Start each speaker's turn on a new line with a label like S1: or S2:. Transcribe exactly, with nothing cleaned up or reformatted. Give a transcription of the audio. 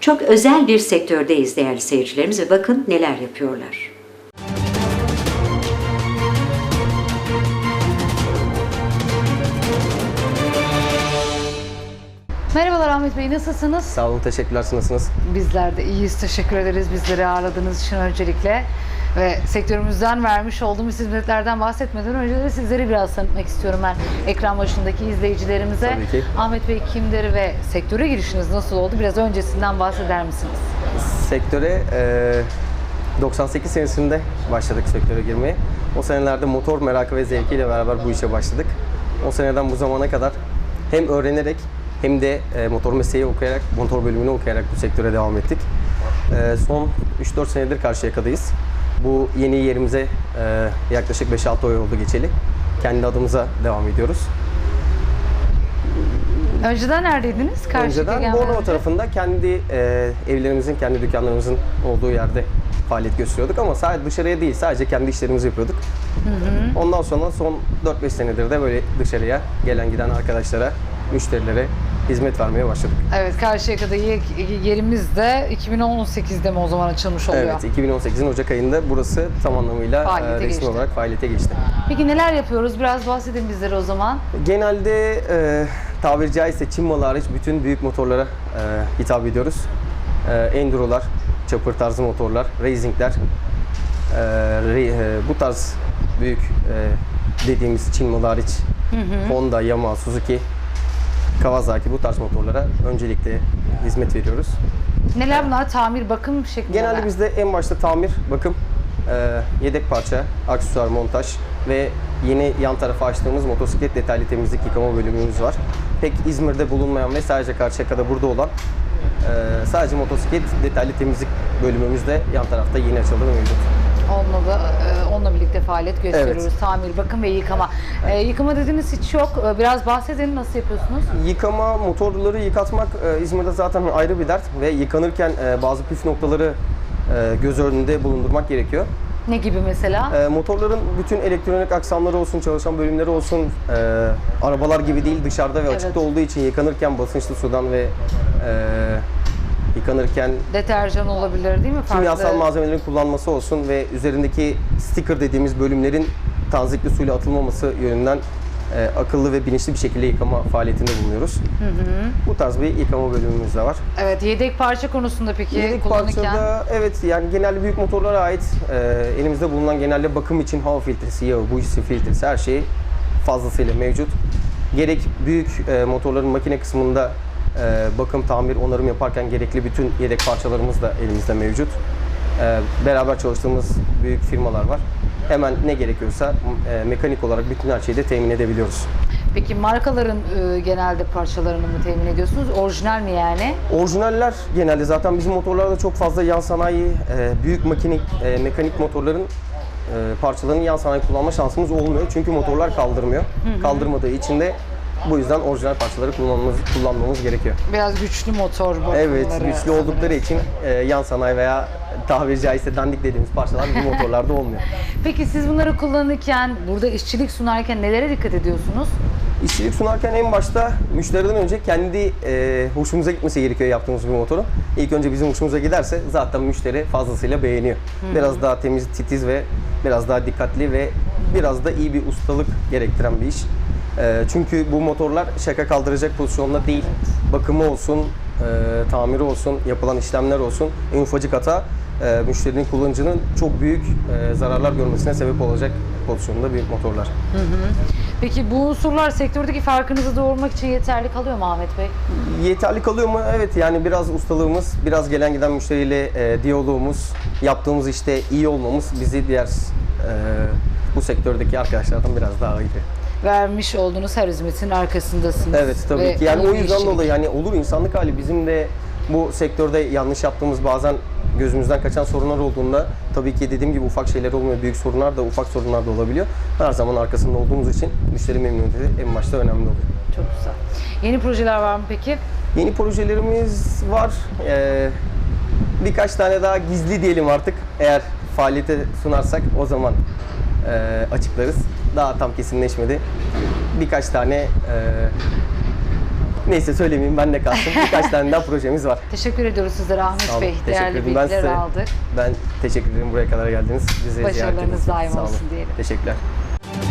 S1: Çok özel bir sektördeyiz değerli seyircilerimiz ve bakın neler yapıyorlar.
S2: Merhabalar Ahmet Bey, nasılsınız?
S3: Sağ olun, teşekkürler. Siz nasılsınız?
S2: Bizler de iyiyiz, teşekkür ederiz bizleri ağırladığınız için öncelikle. Ve sektörümüzden vermiş olduğumuz hizmetlerden bahsetmeden önce de sizleri biraz tanıtmak istiyorum ben ekran başındaki izleyicilerimize.
S3: Tabii ki.
S2: Ahmet Bey kimdir ve sektöre girişiniz nasıl oldu? Biraz öncesinden bahseder misiniz?
S3: Sektöre e, doksan sekiz senesinde başladık sektöre girmeye. O senelerde motor merakı ve zevkiyle beraber bu işe başladık. O seneden bu zamana kadar hem öğrenerek hem de e, motor mesleği okuyarak, motor bölümünü okuyarak bu sektöre devam ettik. E, son üç dört senedir Karşıyaka'dayız. Bu yeni yerimize e, yaklaşık beş altı ay oldu geçeli. Kendi adımıza devam ediyoruz.
S2: Önceden neredeydiniz? Karşıyaka
S3: Önceden
S2: gelmeden
S3: Bornova
S2: önce.
S3: tarafında kendi e, evlerimizin, kendi dükkanlarımızın olduğu yerde faaliyet gösteriyorduk ama sadece dışarıya değil, sadece kendi işlerimizi yapıyorduk. Hı hı. Ondan sonra son dört beş senedir de böyle dışarıya gelen giden arkadaşlara, müşterilere hizmet vermeye başladık.
S2: Evet, Karşıyaka'da yerimiz de iki bin on sekizde mi o zaman açılmış oluyor?
S3: Evet, iki bin on sekizin Ocak ayında burası tam anlamıyla
S2: Faaliyete
S3: e, resmi
S2: geçti.
S3: olarak faaliyete geçti.
S2: Peki neler yapıyoruz? Biraz bahsedin bizlere o zaman.
S3: Genelde e, tabiri caizse Çin malı hariç bütün büyük motorlara e, hitap ediyoruz. E, Enduro'lar, chopper tarzı motorlar, racing'ler, e, re, e, bu tarz büyük e, dediğimiz Çin malı hariç hı hı. Honda, Yamaha, Suzuki, Kawasaki bu tarz motorlara öncelikle hizmet veriyoruz.
S2: Neler bunlar? Tamir, bakım şeklinde.
S3: Genelde bizde en başta tamir, bakım, e, yedek parça, aksesuar, montaj ve yeni yan tarafa açtığımız motosiklet detaylı temizlik yıkama bölümümüz var. Pek İzmir'de bulunmayan ve sadece Karşıyaka'da burada olan e, sadece motosiklet detaylı temizlik bölümümüz de yan tarafta yeni açıldı ve mevcut.
S2: Onunla da e, onunla birlikte faaliyet gösteriyoruz.
S3: Evet.
S2: Tamir, bakım ve yıkama. E, yıkama dediğiniz hiç yok. E, biraz bahsedin, nasıl yapıyorsunuz?
S3: Yıkama, motorları yıkatmak e, İzmir'de zaten ayrı bir dert ve yıkanırken e, bazı püf noktaları e, göz önünde bulundurmak gerekiyor.
S2: Ne gibi mesela?
S3: E, motorların bütün elektronik aksamları olsun, çalışan bölümleri olsun, e, arabalar gibi değil, dışarıda ve
S2: Evet.
S3: açıkta olduğu için yıkanırken basınçlı sudan ve e, yıkanırken
S2: Deterjan olabilir değil mi? Farklı.
S3: kimyasal malzemelerin kullanması olsun ve üzerindeki sticker dediğimiz bölümlerin tanzikli suyla atılmaması yönünden e, akıllı ve bilinçli bir şekilde yıkama faaliyetinde bulunuyoruz. Hı hı. Bu tarz bir yıkama bölümümüz de var.
S2: Evet, yedek parça konusunda peki
S3: Yedek
S2: kullanırken?
S3: parçada evet yani genelde büyük motorlara ait e, elimizde bulunan genelde bakım için hava filtresi, yağı, bujisi filtresi her şey fazlasıyla mevcut. Gerek büyük e, motorların makine kısmında e, bakım, tamir, onarım yaparken gerekli bütün yedek parçalarımız da elimizde mevcut. E, beraber çalıştığımız büyük firmalar var. Hemen ne gerekiyorsa e, mekanik olarak bütün her şeyi de temin edebiliyoruz.
S2: Peki markaların e, genelde parçalarını mı temin ediyorsunuz? Orijinal mi yani?
S3: Orijinaller genelde zaten bizim motorlarda çok fazla yan sanayi, e, büyük makinik, e, mekanik motorların e, parçalarını yan sanayi kullanma şansımız olmuyor. Çünkü motorlar kaldırmıyor. Hı hı. Kaldırmadığı için de bu yüzden orijinal parçaları kullanmamız, kullanmamız gerekiyor.
S2: Biraz güçlü motor bakımları.
S3: Evet, güçlü oldukları için e, yan sanayi veya tabiri caizse dandik dediğimiz parçalar bu motorlarda olmuyor.
S2: Peki siz bunları kullanırken, burada işçilik sunarken nelere dikkat ediyorsunuz?
S3: İşçilik sunarken en başta müşteriden önce kendi e, hoşumuza gitmesi gerekiyor yaptığımız bir motorun. İlk önce bizim hoşumuza giderse zaten müşteri fazlasıyla beğeniyor. Hı-hı. Biraz daha temiz, titiz ve biraz daha dikkatli ve biraz da iyi bir ustalık gerektiren bir iş. E, çünkü bu motorlar şaka kaldıracak pozisyonda değil. Bakımı olsun, e, tamiri olsun, yapılan işlemler olsun, en ufacık hata e, müşterinin, kullanıcının çok büyük e, zararlar görmesine sebep olacak pozisyonda bir motorlar.
S2: Hı hı. Peki bu unsurlar sektördeki farkınızı doğurmak için yeterli kalıyor mu Ahmet Bey?
S3: Yeterli kalıyor mu? Evet, yani biraz ustalığımız, biraz gelen giden müşteriyle e, diyalogumuz, yaptığımız işte iyi olmamız bizi diğer e, bu sektördeki arkadaşlardan biraz daha iyi.
S2: Vermiş olduğunuz her hizmetin arkasındasınız.
S3: Evet, tabii
S2: Ve
S3: ki. Yani o
S2: iyi bir
S3: yüzden
S2: işçilik.
S3: dolayı yani olur insanlık hali, bizim de bu sektörde yanlış yaptığımız bazen gözümüzden kaçan sorunlar olduğunda tabii ki dediğim gibi ufak şeyler olmuyor. Büyük sorunlar da ufak sorunlar da olabiliyor. Her zaman arkasında olduğumuz için müşteri memnuniyeti en başta önemli oluyor.
S2: Çok güzel. Yeni projeler var mı peki?
S3: Yeni projelerimiz var. Ee, birkaç tane daha gizli diyelim artık. Eğer faaliyete sunarsak o zaman e, açıklarız. Daha tam kesinleşmedi. Birkaç tane e, Neyse söylemeyeyim, ben de kalsın. Birkaç tane daha projemiz var.
S2: Teşekkür ediyoruz sizlere Ahmet
S3: Sağ olun,
S2: Bey.
S3: teşekkür
S2: Değerli
S3: ederim. Ben
S2: bilgiler
S3: size-
S2: aldık.
S3: Ben teşekkür ederim buraya kadar geldiniz. Bizi ziyaret
S2: Başarılarınız
S3: ettiğiniz için.
S2: daim
S3: Sağ olun.
S2: olsun diyelim.
S3: Teşekkürler.